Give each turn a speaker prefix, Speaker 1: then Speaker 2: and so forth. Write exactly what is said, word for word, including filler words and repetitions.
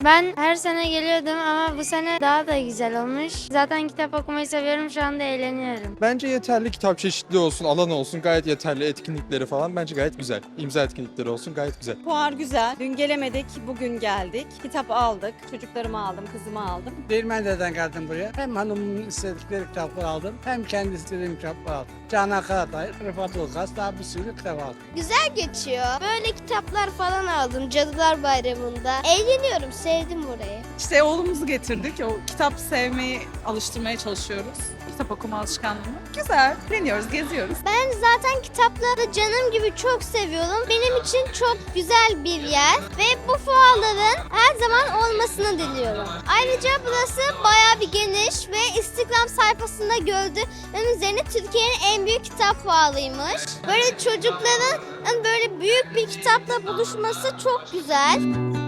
Speaker 1: Ben her sene geliyordum ama bu sene daha da güzel olmuş. Zaten kitap okumayı seviyorum, şu anda eğleniyorum.
Speaker 2: Bence yeterli, kitap çeşitli olsun, alan olsun, gayet yeterli, etkinlikleri falan bence gayet güzel. İmza etkinlikleri olsun, gayet güzel.
Speaker 3: Fuar güzel. Dün gelemedik, bugün geldik. Kitap aldık. Çocuklarımı aldım, kızımı aldım.
Speaker 4: Değirmendere'den geldim buraya. Hem hanımın istedikleri kitapları aldım, hem kendi istediğim kitapları aldım. Canan Karatay, Rıfat Ulgaz, daha bir sürü kitap aldım.
Speaker 5: Güzel geçiyor. Böyle kitaplar falan aldım Cadılar Bayramı'nda. Eğleniyorum, sevdim burayı.
Speaker 6: İşte oğlumuzu getirdik. O kitap sevmeyi alıştırmaya çalışıyoruz. Kitap okuma alışkanlığını. Güzel. Deniyoruz, geziyoruz.
Speaker 5: Ben zaten kitapları canım gibi çok seviyorum. Benim için çok güzel bir yer ve bu fuarların her zaman olmasını diliyorum. Ayrıca burası bayağı bir geniş ve Instagram sayfasında gördüğüm üzerine Türkiye'nin en büyük kitap fuarıymış. Böyle çocukların böyle büyük bir kitapla buluşması çok güzel.